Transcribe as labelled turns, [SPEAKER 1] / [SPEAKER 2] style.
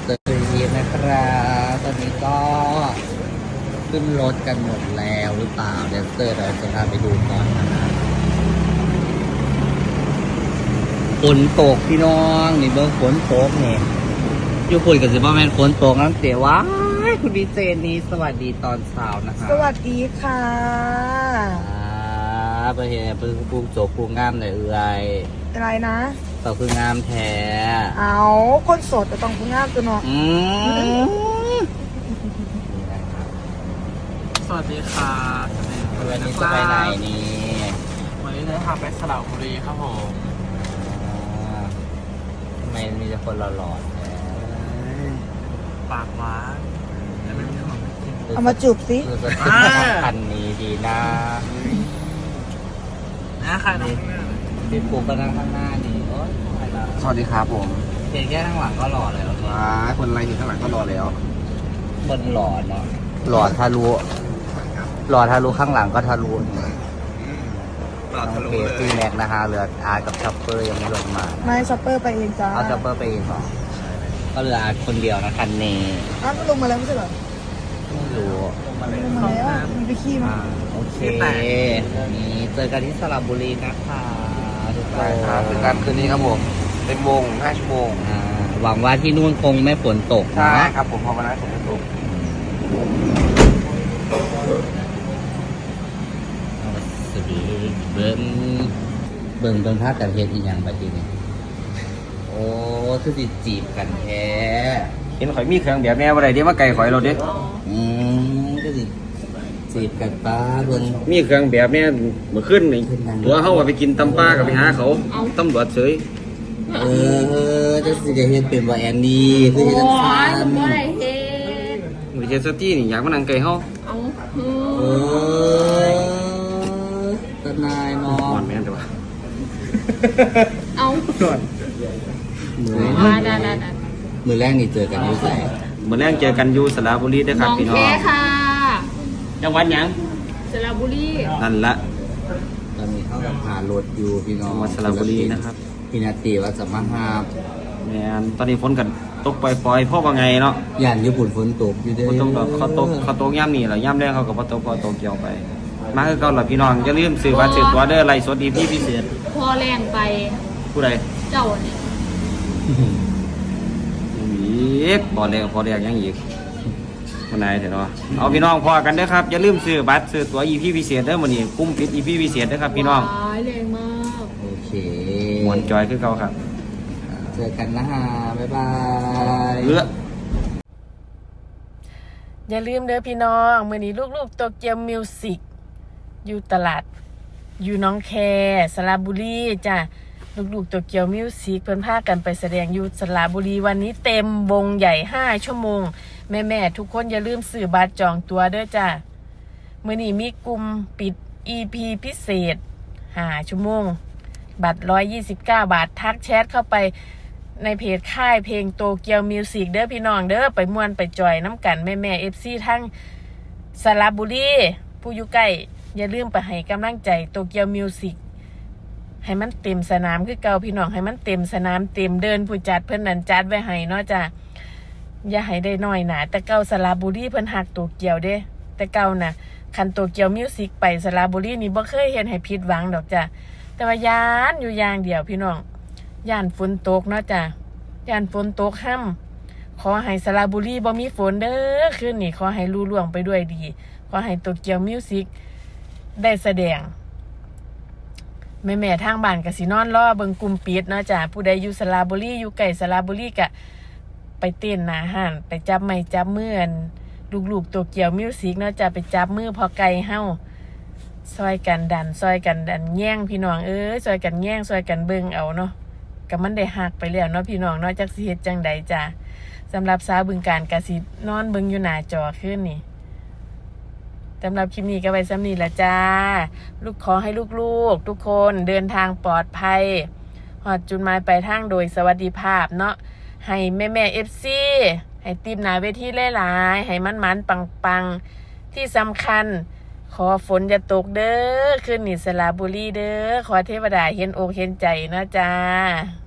[SPEAKER 1] เตอร์ทีมนะครับตอนนี้ก็ขึ้นรถกันหมดแล้วหรือเปล่าแดนเซอร์เราจะพาไปดูก่อนนะครับฝนตกพี่น้องนี่เบิ้งฝนตกเนี่ยอยู่คุยกับสิบ้าแมนฝนตกน้ำเสียว้ายคุณดีเจนี้สวัสดีตอนเช้านะครับ
[SPEAKER 2] สวัสดีค่ะ
[SPEAKER 1] ไปเห็นพึ่งปูโจปูงามเลย
[SPEAKER 2] อะไรนะ
[SPEAKER 1] ต่อคืองามแท้
[SPEAKER 2] เอาคนโสดจะต้องพึ่งงามตัวเนาะ
[SPEAKER 3] สวัสดีค่ะ
[SPEAKER 1] วันนี้จะไปไหนนี่
[SPEAKER 3] วันนี้จะพาไปสระบุรีครับผม
[SPEAKER 1] ทำไมมีแต่คนหล่อ
[SPEAKER 3] ปากหวานแต่ไม่มีของกิน
[SPEAKER 2] เอามาจูบสิ
[SPEAKER 1] คือจะขึ้นคันนี้ดีนะ
[SPEAKER 3] ค่ะน้อง
[SPEAKER 1] พี่ปูก็นั่งข้างหน้านี่
[SPEAKER 4] สวัสดีครับผม
[SPEAKER 1] เพียงแค่ข้างหลังก็หล่อแล้ว
[SPEAKER 4] คนอะไรอยู่ข้างหลังก็รอแล้ว
[SPEAKER 1] คนหล่อเนาะหล่อทะลุข้างหลังก็ทะลุโอเคซีแม็กนะฮะเหลืออาร์กับช็อปเปอร์ยังไม่ลงมา
[SPEAKER 2] ไม่ช็อปเปอร์ไปเองจ้า
[SPEAKER 1] เอาช็อปเปอร์ไปเองเหรอก็เหลืออาร์คนเดียวนะคันนี้
[SPEAKER 2] มันลงมาแล้วไม่ใช่เหรอ
[SPEAKER 1] ไม่รู้
[SPEAKER 2] ลงมาแล้วมีไปขี้มา
[SPEAKER 1] โอเคนี่เจอกันที่สระบุรีนะคะทุกค
[SPEAKER 4] ใช่ครับถึงการคืนนี้ครับผมเป็นวง5 ชั่วโมง
[SPEAKER 1] หวังว่าที่นู่นคงไม่ฝนตก
[SPEAKER 4] ใช่ครับผมพอวันนั้นฝนตก
[SPEAKER 1] สวัสดีเบิ่งภาพกันเฮ็ดอีกอย่างแบบนี้โอ้คือสิจีบกันแท้
[SPEAKER 4] เห็นข่อยมีเครื่องแบบแม่อะไรเดี๋ยวมาไก่ข่อยเราเด้
[SPEAKER 1] ก็สิจีบกันป้าเบิ่ง
[SPEAKER 4] มีเครื่องแบบแม่เมื่อคืนนี่ตัวเขาว่าไปกินตำปลากับไปหาเขาตำรวจเฉย
[SPEAKER 1] จะสิจะเฮ็ดเป็นว่าแอนนี่คือเฮ็ดจังซั่น
[SPEAKER 4] บ่ได้เฮ็ดวิเจสตี้นี่อยากมานั่งไก่เฮา
[SPEAKER 1] ตนายเนาะ
[SPEAKER 4] ก่อนแม่นแต่ว่า
[SPEAKER 3] ก่อน
[SPEAKER 1] มือแรกนี่เจอกันอยู่ไส
[SPEAKER 4] มื้อแรกเจอกันอยู่สระบุรีเด้อครับพี่น้อง
[SPEAKER 3] ค่ะ
[SPEAKER 4] จังหวัดหยัง
[SPEAKER 3] สระบุรี
[SPEAKER 4] นั่นละ
[SPEAKER 1] ตอนนี้เข้ากับพารถอยู่พี่น้อง
[SPEAKER 4] จังหวัดสระบุรีนะครับ
[SPEAKER 1] พี่นาตีว่าจะมาหา
[SPEAKER 4] แม่นตอนนี้ฝนกันตกปล่อยๆพ่อว่าไงเนาะ
[SPEAKER 1] ย่านญี่ปุ่นฝนตกอยู่เด้อ
[SPEAKER 4] ฝนตกดอกเขาตกย่ำนี่แหละย่ำแรกเขาก็บ่ตกพอตกเกี่ยวไปมาคือเก่าล่ะพี่น้องอย่าลืมซื้อบัตรซื้อตั๋วเด้อไลฟ์สดอีพีพิเศษ
[SPEAKER 3] พอแรงไป
[SPEAKER 4] ผู้ใด
[SPEAKER 3] เจ้าเนี่ย
[SPEAKER 4] อีกพอแรงยังอีกคนไหนเถอะเนาะเอาพี่น้องพอกันเด้อครับอย่าลืมซื้อบัตรซื้อตั๋วอีพีพิเศษเด้อมื้อนี้กุ้มปิดอีพีพิเศษเด้อครับพี่น้อง
[SPEAKER 3] แรงมาก
[SPEAKER 1] โอเค
[SPEAKER 4] ม่วนจอยคือเก่าครับ
[SPEAKER 1] เจอกันนะฮะบ๊ายบาย
[SPEAKER 2] อย่าลืมเด้อพี่น้องมื้อนี้ลูกๆโตเกียวมิวสิกอยู่ตลาดอยู่น้องแคสระบุรีจ้ะลูกๆโตเกียวมิวสิกเพิ่นพากันไปแสดงอยู่สระบุรีวันนี้เต็มวงใหญ่5 ชั่วโมงแม่ๆทุกคนอย่าลืมซื้อบัตรจองตั๋วเด้อจ้ะมื้อนี้มีกลุ่มปิด EP พิเศษ5 ชั่วโมงบัตร129 บาททักแชทเข้าไปในเพจค่ายเพลงโตเกียวมิวสิกเด้อพี่น้องเด้อไปม่วนไปจอยน้ำกันแม่ๆ FC ทั้งสระบุรีผู้อยู่ใกล้อย่าลืมไปให้กำลังใจโตเกียวมิวสิกให้มันเต็มสนามคือเก่าพี่น้องให้มันเต็มสนามเต็มเดินผู้จัดเพิ่นนั่นจัดไว้ให้เนาะจ้ะอย่าให้ได้น้อยหนาแต่เก่าสระบุรีเพิ่นฮักโตเกียวเด้แต่เก่าน่ะคันโตเกียวมิวสิกไปสระบุรีนี่บ่เคยเห็นให้ผิดหวังดอกจ้ะแต่ว่าย้านอยู่อย่างเดียวพี่น้องย่านฝนตกเนาะจ้ะย่านฝนตกห้ำขอให้สระบุรีบ่มีฝนเด้อคืนนี้ขอให้ลุล่วงไปด้วยดีขอให้โตเกียวมิวสิกได้แสดงแม่ทางบ้านก็สินอนรอเบิ่งกลุ่มปิดเนาะจ้ะผู้ใดอยู่สระบุรีอยู่ใกล้สระบุรีก็ไปเต้นหน้าห้านไปจับไม้จับมือลูกๆโตเกียวมิวสิกเนาะจ้ะไปจับมือพอไก่เฮาซอยกันดันแย่งพี่น้องซอยกันแย่งซอยกันเบิ่งเอาเนาะก็มันได้หักไปแล้วเนาะพี่น้องเนาะจักสิเฮ็ดจังใดจ้ะสำหรับสาวบึงกาฬก็สินอนเบิ่งอยู่หน้าจอคืนนี้สำหรับคลิปนี้ก็ไว้ซ้ำนี้ละจ้าขอให้ลูกๆทุกคนเดินทางปลอดภัยหอดจุดหมายปลายทางโดยสวัสดิภาพเนาะให้แม่FC ให้ตีมหนาเวทีหลายๆให้มันปังที่สำคัญขอฝนจะตกเด้อคืนนี้สระบุรีเด้อขอเทวดาเห็นอกเห็นใจนะจ้า